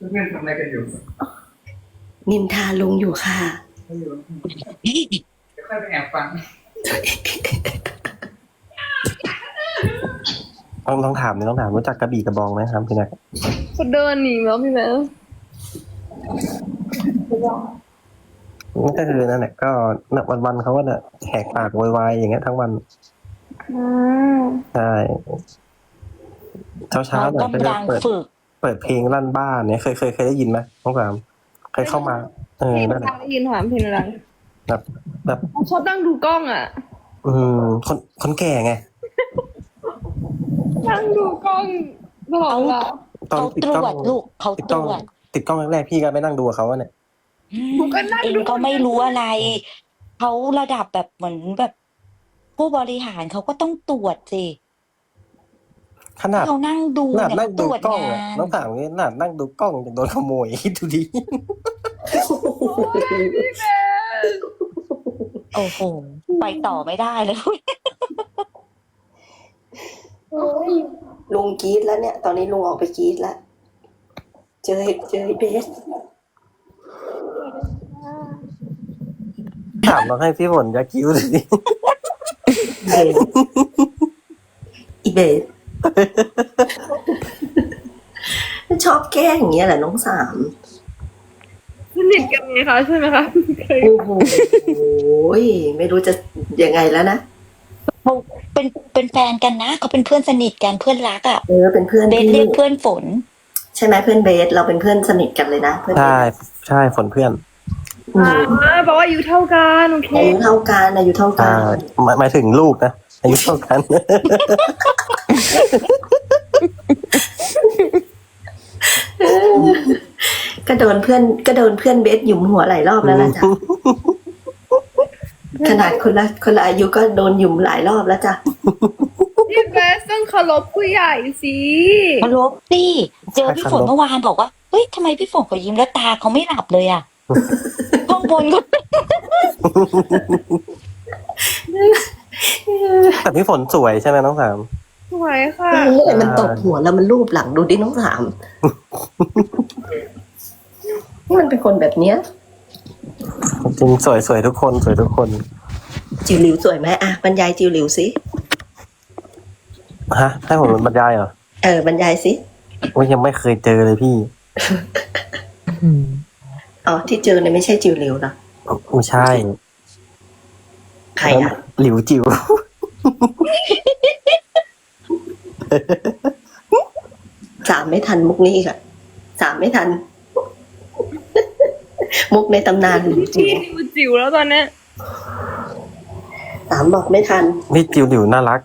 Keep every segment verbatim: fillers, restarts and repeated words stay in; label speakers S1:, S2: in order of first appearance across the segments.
S1: เพื่อนๆทำอะไรกันอยู่
S2: นินทาลุงอยู่ค่ะ
S1: ไม่อยู่เดี๋ยวค่อยไปแอบฟัง
S3: ต้องต้องถามนี่ต้องถามรู้จักกระบี่กระบองไหมครับพี่แนัก
S4: เขาเดินหนีแล้วพี่แม่
S3: นี่ก็คือนั่นแหละก็วันวันๆเขาก็เนี่ยแหกปากโวยวายอย่างเงี้ยทั้งวัน
S4: อืม
S3: ใช่เช้าเช้า
S5: เรา
S3: เนี่ย
S5: ก็
S3: ก็จะ
S5: ดัง
S3: เปิด
S5: ฝึก
S3: เปิดเพลงลั่นบ้านเนี่ยเคยเคยเคยได้ยินไหมน้องสามเคยเข้ามาเออ
S4: เพลง
S3: นั่นแห
S4: ดั
S3: ละ
S4: งได้ยินค่ะเพลงดัง
S3: แบบแบบ
S4: เขาชอบนั่งดูกล้องอ่ะ
S3: อืมคนคนแก่ไง
S4: นั่งดูกล้องตลอดเวลา
S3: ตอน
S5: เขา
S3: ติด
S5: ตร
S3: กล้อง
S5: วจลูกเขา
S3: ติด
S5: ต
S3: กล้อง
S5: รวจ
S3: ติดกล้องแรกๆพี่ก็ไปนั่งดูกับเขาอะเนี่ย
S4: ผมก็นั่ง
S5: เอง
S4: ดู
S5: ก็ไม่รู้อะไรเขาระดับแบบเหมือนแบบ ผู้บริหารเขาก็ต้องตรวจสิ
S3: ขนาด
S5: เขานั่งดู
S3: ขนาด
S5: เนี่ย
S3: นั่
S5: เขา
S3: ง
S5: ต
S3: ดู
S5: รวจ
S3: กล้อง
S5: งา
S3: อะ
S5: น
S3: น้องถามงี้ขนาดนั่งดูกล้องยังโดนขโมยคิดดูดิ
S4: พี่แม่
S5: โอ้โหไปต่อไม่ได้เลย
S2: ลุงกรีดแล้วเนี่ย ตอนนี้ลุงออกไปกรีดแล้ว เจอเจอไอ้เบส
S3: ถามลองให้พี่ฝนจะคิ้วเลยดิ
S2: เบสอีเบส ชอบแกล้งอย่างเงี้ยแหละน้องสาม
S4: สนิทกันไงคะใช่ไหมคะเคย
S2: โอ้โหไม่รู้จะยังไงแล้วนะ
S5: เขาเป็นเป็นแฟนกันนะเขาเป็นเพื่อนสนิทกันเพื่อนรักอ่ะ
S2: เออเป็นเพื่อน
S5: เบส
S2: ที่
S5: เรียกเพื่อนฝน
S2: ใช่ไหมเพื่อนเบส เราเป็นเพื่อนสนิทกันเลยนะเพื่อนเบ
S3: ใช่
S2: ส
S3: ใช่ฝนเพื่อน
S2: อื
S4: อ่าม บอกว่าอายุเท่ากันโอเค
S2: อายุเท่ากันอายุเท่ากั
S3: อ่าน หมายหมายถึงลูกนะอายุเท่ากัน
S2: ก็โดนเพื่อนก็โดนเพื่อนเบสหยุมหัวหลายรอบแล้วล่ะจ้ะ ขนาดคนละคนละอายุก็โดนหยุมหลายรอบแล้วจ้ะ
S4: พี่เบสต้องเคารพผู้ใหญ่สิ
S5: มาลบสิเจอพี่ฝนเมื่อวานบอกว่าเฮ้ยทำไมพี่ฝนเขายิ้มแล้วตาเขาไม่หลับเลยอ่ะ ข้างบนก็
S3: แต่พี่ฝนสวยใช่ไหมน้องสาม
S4: สวยค่ะ
S2: เออมันตบหัวแล้วมันรูปหลังดูดิน้องสามนี่มันเป็นคนแบบเนี้ย
S3: จริงสวยสวยทุกคนสวยทุกคน
S2: จิวหลิวสวยไหมอ่ะบรรยายจิวหลิวสิ
S3: ฮะให้ผมบรรยายเหรอ
S2: เออบรรยายสิ
S3: ว่ายังไม่เคยเจอเลยพี่
S2: อ๋อที่เจอเนี่ยไม่ใช่จิวหลิวหรอ
S3: ไม่ใช่
S2: ใครอ่ะ
S3: หลิวจิ๋ว
S2: สามไม่ทันมุกนี้อีกอ่ะสามไม่ทัน มุกในตำนานหลิวจิ๋
S4: พี่
S2: ว
S4: ดิวจิ๋วแล้วตอนเนี้ย
S2: สามบอกไม่ทัน
S3: นี่จิ๋วหลิวน่ารัก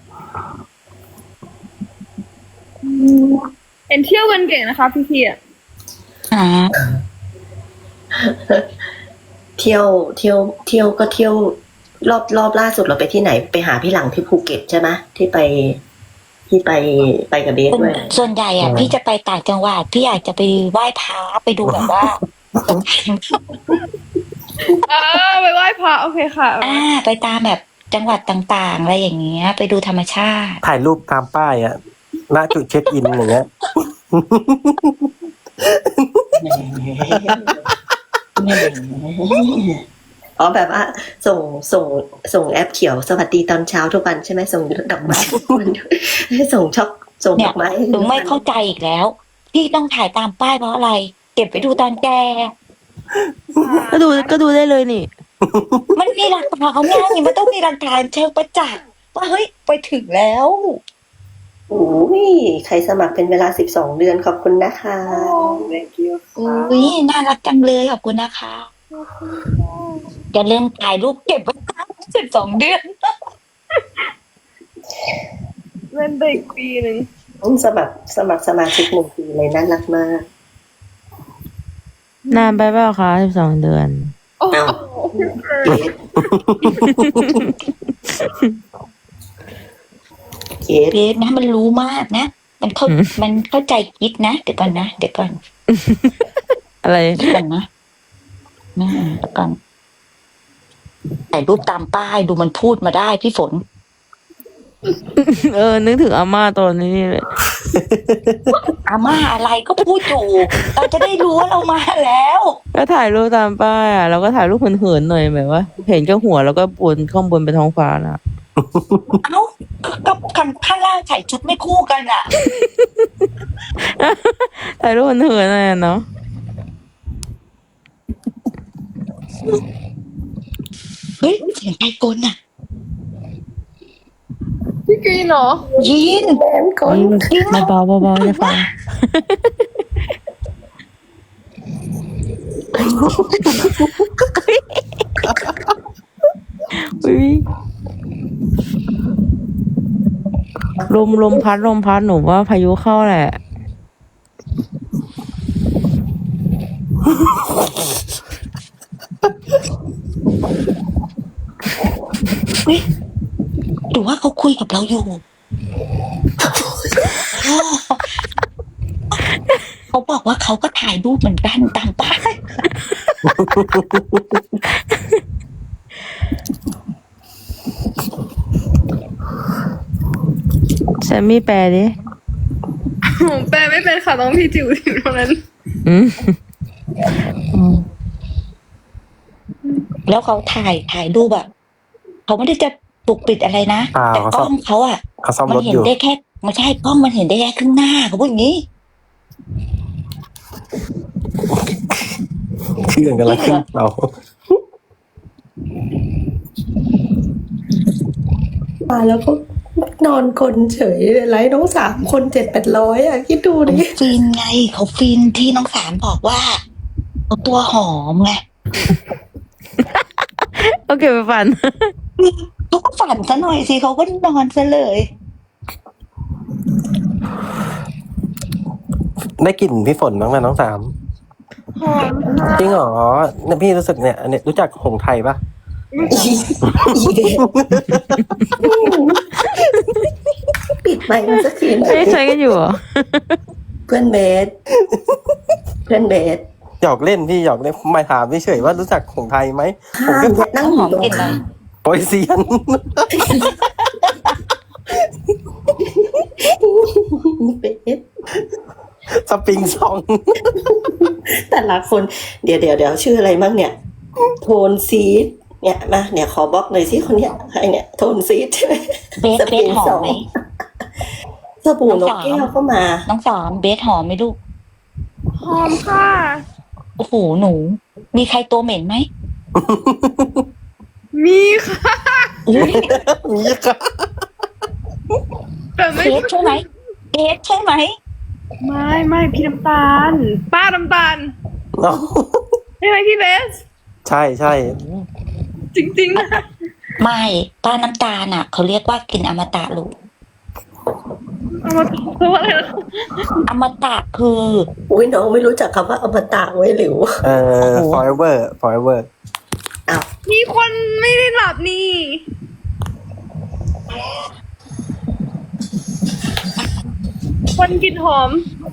S4: เห็นเที่ยวกันเก่งนะคะพี่พี่อ่ะ
S5: อ่า
S2: เที่ยวเที่ยวเที่ยวก็เที่ยวรอบรอบล่าสุดเราไปที่ไหนไปหาพี่หลังที่ภูเก็ตใช่ไหมที่ไปที่ไปไปกับเบสด้วย
S5: ส่วนใหญ่อ่ะ
S3: อืม
S5: พี่จะไปต่างจังหวัดพี่อยากจะไปไหว้พระไปดูแบบว่า
S4: อ่าไปไหว้พระโอเคค่ะ
S5: อ่า ไปตามแบบจังหวัดต่างๆอะไรอย่างเงี้ย ไปดูธรรมชาติ
S3: ถ่ายรูปตามป้ายอะณจุดเช็คอินอย่างเงี้ย
S2: อ๋อแบบว่า ส่งส่งส่งแอปเขียวสวัสดีตอนเช้าทุกวันใช่ไหมส่งดอกไม้ทุกวันส่งช็อกส่ง
S5: เนี่
S2: ด
S5: ย
S2: อกไม้
S5: หนูไม่เข้าใจอีกแล้ว พี่ต้องถ่ายตามป้ายเพราะอะไร เก็บไปดูตอนแก
S6: ก็ดูก็ดูได้เลยนี่
S5: มันมีหลักฐานเขาไงมันต้องมีหลักฐานเชิงประจักษ์ว่าเฮ้ยไปถึงแล้ว
S2: โอ้ยใครสมัครเป็นเวลาสิบสองเดือนขอบคุณนะคะ
S4: โอ้ thank you
S5: อุ้ยน่ารักจังเลยขอบคุณนะคะอย่าลืมถ่ายรูปเก็บไว้สิบสองเดือน
S4: เล่นไปอีกปีหนึ่ง
S2: อืมสมัครสมัครสมาชิกหนึ่งปีเลยน่ารักมาก
S6: นานไปเปล่าคะสิบสองเดือน
S4: โอ้โห
S2: เคส
S5: เบสนะมันรู้มากนะ มันเข้า
S6: อืม
S5: มันเข้าใจคิดนะ เดี๋ยวก่อนนะ เดี๋ยวก่อน
S6: อะไร
S5: เดี๋ยวก่อนนะนะเดี๋ยวก่อนถ่ายรูปตามป้ายดูมันพูดมาได้พี่ฝน
S6: เออ นึกถึงอาม่าตอนนี้เลย
S5: อาม่าอะไรก็พูดอยู่เราจะได้รู้ว่าเรามาแล้ว
S6: ก็ถ่ายรูปตามป้ายอ่ะแล้วก็ถ่ายรูปเหินๆหน่อยแบบว่า เห็นแค่หัวแล้วก็บนข้างบนเป็นท้องฟ้าน่ะ
S5: เอ้ากับข้างข้างล่างใส่ชุดไม่คู่กันอ่ะ
S6: ถ่ายรูปเหินๆหน่อยอะเนาะ
S5: เฮ้ยเสียงไก่กลอ่ะ
S4: พี่กรีนเหรอ
S5: ยิน
S2: แบนก่อน
S6: เบาๆเบาๆจะฟังอุ๊ยลมลมพัดลมพัดหนูว่าพายุเข้าแหละ
S5: เฮ้ยหรือว่าเขาคุยกับเราอยู่ เขาบอกว่าเขาก็ถ่ายรูปเหมือนกันตามป้าย
S6: แซมมี่แปลดิ
S4: ผมแปลไม่เป็นค่ะต้องพี่จิ๋วจิ๋วเท่านั้น
S6: อืม
S5: แล้วเขาถ่ายถ่ายรูปอะเขาไม่ได้จะปกปิดอะไรนะ
S3: อ่า
S5: แต่
S3: เขา
S5: ก
S3: ซ่
S5: ล้
S3: อ
S5: อ
S3: ม
S5: งเขาอะ
S3: เขาซ่อม
S5: มั
S3: รถ
S5: เห็
S3: อน ยู่
S5: ได้แค่ไม่ใช่กล้องมันเห็นได้แค่ครึ่งหน้าเขาพูดอย่างนี้
S3: เครื่องกำลังขึ้นเรา
S2: มาแล้วก็นอนกลนเฉยเลยไลฟ์น้องสามคนเจ็ดแปดร้อยอ่ะคิดดูดิ
S5: ฟินไงเขาฟินที่น้องสารบอกว่าเขาตัวหอมไง
S6: โอเคไปฝัน
S5: เขาก็ฝันซะหน่อยสิเขาก็นอนซะเลย
S3: ได้กลิ่นพี่ฝนบ้างไหมน้องสาม
S4: หอมค่ะ
S3: จริงเหรอเนี่ยพี่รู้สึกเนี่ยอันเนี้ยรู้จักหงไทยปะ
S2: อีอีเด็กปิดไมค์มันสักทีหน่อ
S6: ไม่
S2: ย
S6: ใช้กันอยู่เหรอ
S2: เพื่อนเบสเพื่อนเบส
S3: หยอกเล่นพี่หยอกเล่นไม่ถามเฉยๆว่ารู้จักหงไทยไหม
S2: ห้ามอย่านั่งอยู่ตรง
S5: หอมกลิ่นอะไร
S2: ข้าม
S3: โปรยเซียน
S2: เบส
S3: สปริงซอง
S2: แต่ละคน เดี๋ยวเดี๋ยวเดี๋ยวชื่ออะไรบ้างเนี่ย โทนซีดเนี่ยมาเนี่ยขอบล็อกหน่อยสิคนเนี้ยใครเนี่ยโทนซีดใช่ไหม
S5: เบสเบสหอมไหม
S2: สบู่นกแก้วก็มา
S5: น้องสามเบสหอมไหมลูก
S4: หอมค่ะ
S5: โอ้โหหนู มีใครตัวเหม็นไหม
S4: มีค่ะ
S5: อุ๊ย
S3: มีค่ะ
S4: แต่ไม่
S5: เบสใช่ไหมเบสใช่ไหม
S4: ไม่ไม่พี่น้ำตาล ป้าน้ำตาล
S3: เนาะ
S4: ใช่ไหมพี่เบส
S3: ใช่ใช่
S4: จริงๆนะ
S5: ไม่ป้าน้ำตาลอ่ะเขาเรียกว่ากินอมตะลูก
S4: เอามาเพราะว่าอะไรนะ
S5: อมตะคือ
S2: อุ้ยน้องไม่รู้จักคำว่าอมตะไว้หรือ
S3: เออ forever forever
S2: อ้าว
S4: มีคนไม่ได้หลับนี่ คนกลินหอม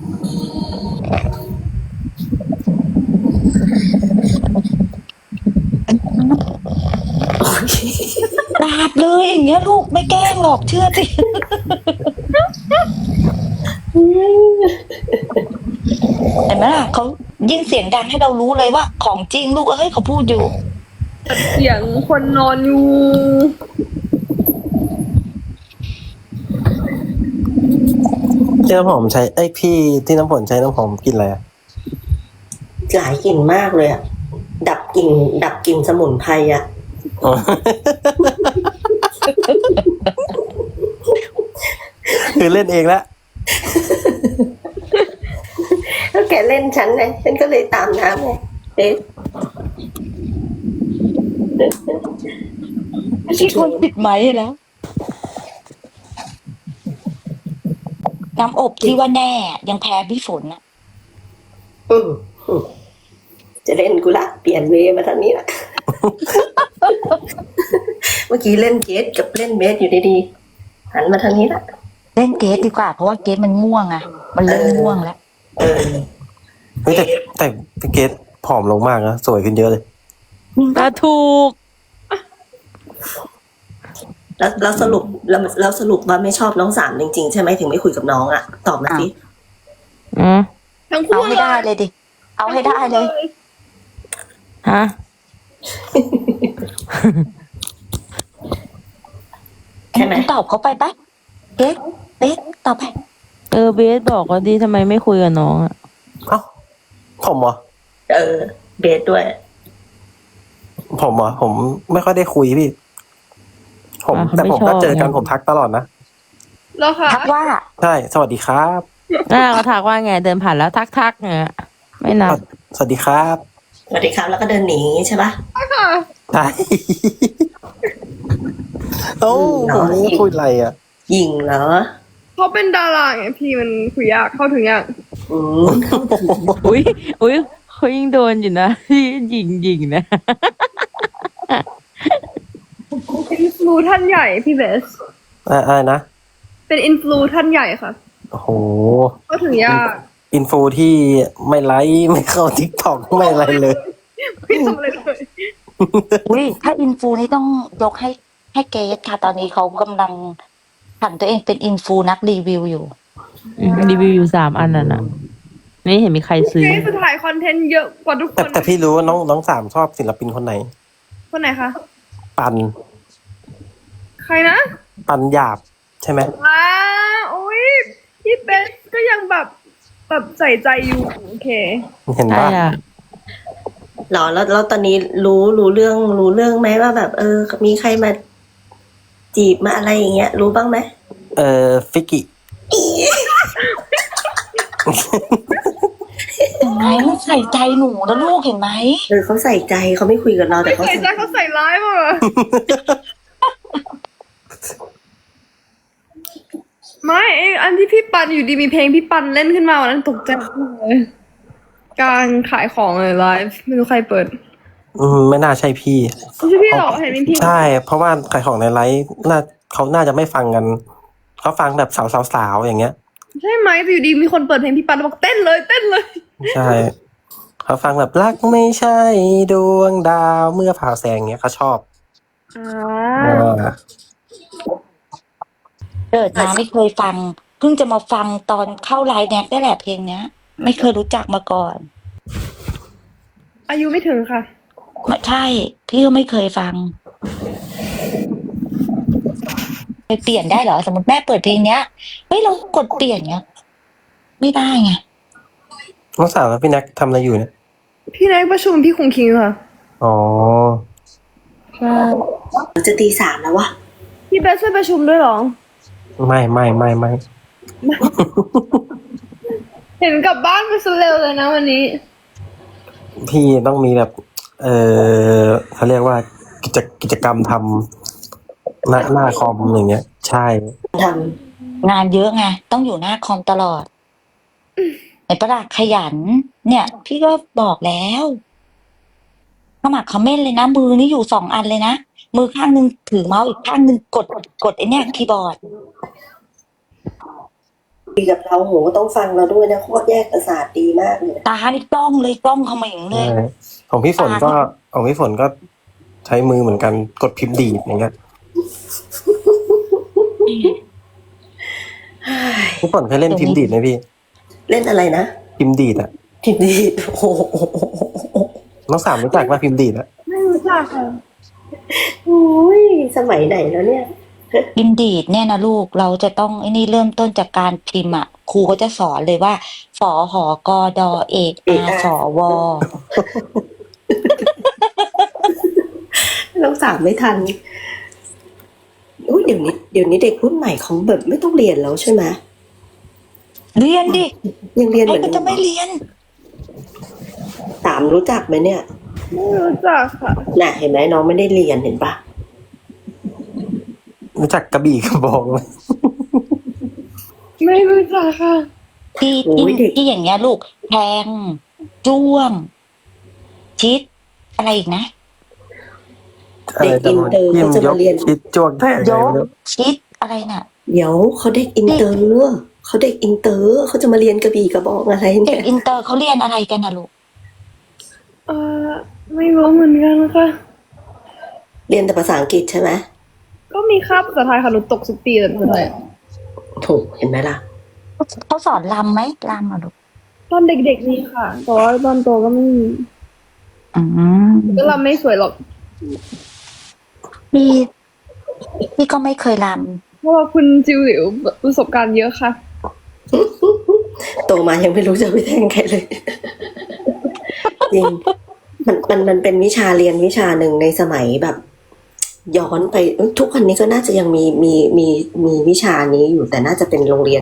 S5: ดาบเลยอย่างเงี้ยลูกไม่แกล้งหรอกเชื่อสิ เห็นไหมล่ะเขายิ่งเสียงดังให้เรารู้เลยว่าของจริงลูกเอ้ยเขาพูดอยู่
S4: เสียงคนนอนอยู่
S3: ที่น้ำหอมใช้ไอยพี่ที่น้ำฝนใช้น้ำหอมกลินอะไรอะ
S2: หลายกลิ่นมากเลยอ่ะ ดับกลิ่นดับกลิ่นสมุนไพรอ่ะ
S3: อ๋อ คือเล่นเองแล้ว
S2: แล้วแกเล่นฉันไงฉันก็เลยตามน้ำไงเอ๊ะ
S5: ที่คนปิดไม้แล้ว น้ำอบที่ว่าแน่ยังแพ้พี่ฝนอ่ะ
S2: อืมอืมจะเล่นกูละเปลี่ยนเวย์มาทางนี้ละ เมื่อกี้เล่นเกสกับเล่นเบสอยู่ดีๆหันมาทางนี้ละ
S5: เล่นเกสดีกว่าเพราะว่าเกสมันง่วงอ่ะ มันเริ่มง่วงแล้ว
S2: เออ
S3: เฮ้ยแต่แต่พี่เกดผอมลงมากนะสวยขึ้นเยอะเลย
S6: ก็ถูก
S2: แล้วแล้วสรุปแล้วแล้วสรุปว่าไม่ชอบน้องสามจริงๆใช่ไหมถึงไม่คุยกับน้องอ่ะตอบมาสิ
S6: อืม
S4: ทั้ง
S5: เอา
S4: คู่
S5: ให้ได้เลยดิ เอาให้ได้เลย
S6: ฮะ
S2: ใช่ไหม
S5: ตอบเขาไปปะเบสเบสตอบไป
S6: เออเบสบอกว่าดีทำไมไม่คุยกับน้องอ่ะ
S3: เอ้าผมเหรอ
S2: เออ เบสด้วย
S3: ผมเหรอผมไม่ค่อยได้คุยพี่ ผม
S6: อ่ะเขา
S3: แต่
S6: ไม่
S3: ผม
S6: ชอบ
S3: ก็เจอกัน
S6: ไง
S3: ผมทักตลอดนะ
S4: แล้วค่ะ
S5: ทักว่า
S3: ใช่ สวัสดีครับ
S6: น่าก็ทักว่าไงเดินผ่านแล้วทักทักๆไงไม่นับ
S3: สวัสดีครับ
S2: สวัสดีครับแล้วก็เดินหนีใช่ปะ
S4: ค่ะ
S3: ใช่ โอ้ผมไม่ได้คุยอะไรอ่ะ
S2: ยิงเหรอ
S4: เขาเป็นดาราไงพี่มันคุยยากเข้าถึงยาก
S2: อืม
S6: อุ้ยอุ้ยเขายิ่งโดนอยู่นะ ที่ยิงยิงนะ
S4: อินฟลูท่านใหญ่พี่เบส
S3: อะไรนะ
S4: เป็นอินฟลูท่านใหญ่ค่ะ
S3: โอ้โห
S4: เข้าถึงยาก
S3: อินฟูที่ไม่ไลค์ไม่เข้าทิกตอกไม่อะไรเลย
S4: ไม่ทำอะไรเลย
S5: อุ้ยถ้าอินฟูนี่ต้องยกให้ให้เกสค่ะ ตอนนี้เขากำลังผันตัวเองเป็นอินฟูนักรีวิวอยู่
S6: อืมรีวิวอยู่สามอันน่ะนะไม่เห็นมีใครซื้อ
S4: เกสจะถ่ายคอนเทนต์เยอะกว่าทุกค
S3: แต่
S4: น
S3: แต่พี่รู้ว่าน้องน้องสามชอบศิลปินคนไหน
S4: คนไหนคะ
S3: ปัน
S4: ใครนะ
S3: ปันหยาบใช่ไหม
S4: อ่าโอ้ยพี่เบสก็ยังแบบแบบใส่ใจอยู่โอเค
S3: เห็น
S6: ใช่
S3: ป่ะ
S6: อ่ะ
S2: หรอแล้วแล้วตอนนี้รู้รู้เรื่องรู้เรื่องไหมว่าแบบ เออ มีใครมา จีบมาอะไรอย่างเงี้ย รู้บ้างไหม
S3: เออฟิกิ
S5: เห็นไหมมันใส่ใจหนูนะลูกเห็นไหม
S2: เออเขาใส่ใจเขาไม่คุยกับเราแต่
S4: ไม่
S2: เขา
S4: ใส่ใจเขาใส่ร้ายมากอะไม่ไอ้อันที่พี่ปันอยู่ดีมีเพลงพี่ปันเล่นขึ้นมาวันนั้นตกใจมากเลยกลารขายของเลยไลฟ์ไม่รู้ใครเปิด
S3: อืมไม่น่าใช่พี่
S4: ไม่ใช่พี่หรอกเห็นเป็นพี่
S3: ใช่ เพราะว่าขายของในไลฟ์น่าเขาน่าจะไม่ฟังกัน เขาฟังแบบสาวๆๆอย่างเงี้ย
S4: ใช่ไหมแต่อยู่ดีมีคนเปิดเพลงพี่ปันแล้วบอกเต้นเลยเต้นเลย
S3: ใช่ เขาฟังแบบรักไม่ใช่ดวงดาวเมื่อผ่าแสงเงี้ยเขาชอบ
S4: อ่า
S3: เออ
S5: เกิดมาไม่เคยฟัง เพิ่งจะมาฟังตอนเข้าไลน์แน็กได้แหละเพลงเนี้ย ไม่เคยรู้จักมาก่อน
S4: อายุไม่ถึงค่ะ
S5: ไม่ใช่ พี่ก็ไม่เคยฟังไปเปลี่ยนได้เหรอ สมมติแม่เปิดเพลงเนี้ยเฮ้ยเรากดเปลี่ยนเงี้ย ไม่ได้ไง
S3: น้องสาวกับพี่แน็กทำอะไรอยู่เนี่ย
S4: พี่นายประชุมพี่คงคิงค่ะ
S3: อ๋อ
S4: ใช่
S2: จะตีสามแล้ววะ
S4: พี่เบสช่วยประชุมด้วยเหรอ
S3: ไม่ไม่ไม่ไม่
S4: เห็นกลับบ้านไปซะเร็วเลยนะวันนี้
S3: พี่ต้องมีแบบ เออเขาเรียกว่ากิจกิจกรรมทำหน้าหน้าคอมอย่างเงี้ย ใช่
S2: ท
S5: งานเยอะไง ต้องอยู่หน้าคอมตลอดไอ้ประหลาดขยัน เนี่ย พี่ก็บอกแล้วขมักเขม้นเลยนะ มือนี่อยู่สองอันเลยนะ มือข้างหนึ่งถือเมาส์อีกข้างหนึ่งกดกดไอ้เนี่ยคีย์บอร์ด
S2: ำดีกับเราโหต้องฟังเราด้วยนะโคตรแยกประสาทดีมากเลย
S5: ตานี่กล้องเลยกล้องเขม่งเลย
S3: ใช่ของพี่ฝนก็ของพี่ฝนก็ใช้มือเหมือนกันกดพิมพ์ดีดอย่างเงี้ยพี่ฝนเคยเล่นพิมพ์ดีดไหมพี่
S2: เล่นอะไรนะ
S3: พิมพ์ดีดอะ
S2: ทีนี้โอ้โห
S3: น้องสามรู้จักว่าพิมพ์ดีดอะ
S4: ไม่รู้จักค่ะ
S2: โอ้ยสมัยไหนแล้วเนี่ย
S5: อินดีดเนี่ยนะลูกเราจะต้องไอ้นี่เริ่มต้นจากการพิมพ์อ่ะครูก็จะสอนเลยว่าฝอหอกอดอเอกอาสอวอ
S2: เราสามไม่ทันอุ้ยเดี๋ยวนี้เดี๋ยวนี้เด็กรุ่นใหม่เขาแบบไม่ต้องเรียนแล้วใช่ไหม
S5: เรียนดิ
S2: ยังเรียนเห
S5: ให้
S2: มือน
S5: มัน
S2: เดิ
S5: จะ
S2: ม
S5: ไม่เรียน
S2: สามรู้จักไหมเนี่ย
S4: ไม่รู้จักค่ะ
S2: น่ะเห็นไหมน้องไม่ได้เรียนเห็นปะ
S3: รู้จักกระบี่กระบองไหม
S4: ไม่รู้จักค่ะ
S5: ที่ที่ที่อย่างเงี้ยลูกแทงจ้วง ชิด อะไรอีกนะ
S2: เด็กอินเตอร์เขาจะมาเรียน
S3: คิดจวงแทง
S5: ยกชิดอะไรน่ะ
S2: เดี๋ยวเขาเด็กอินเตอร์เขาเด็กอินเตอร์เขาจะมาเรียนกระบี่กระบองอะไร
S5: เด็
S2: เนี่
S5: ก
S2: ย
S5: อินเตอร์เขาเรียนอะไรกันนะลูก
S4: เออไม่รู้เหมือนกันค่ะ
S2: เรียนแต่ภาษาอังกฤษใช่ไหม
S4: กก็มีคาบภาษาไทยค่ะหนูตกทุกปีเลยภาษาไทย
S2: ถูกเห็นไหมล่ะ
S5: เขาสอนรำไหมรำอ่ะลูก
S4: ตอนเด็กๆมีค่ะ แต่ว่าตอนโตก็ไม่มี
S5: อืม
S4: ก็รำไม่สวยหรอก
S5: พี่พี่ก็ไม่เคยร
S4: เพราะว่าคุณจิวหลิวประสบการณ์เยอะค่ะ
S2: โตมายังไม่รู้จะไปแทงใครเลย จริงมันมันมันเป็นวิชาเรียนวิชาหนึ่งในสมัยแบบ ย้อนไปทุกวันนี้ก็น่าจะยังมีมีมีมีวิชานี้อยู่แต่น่าจะเป็นโรงเรียน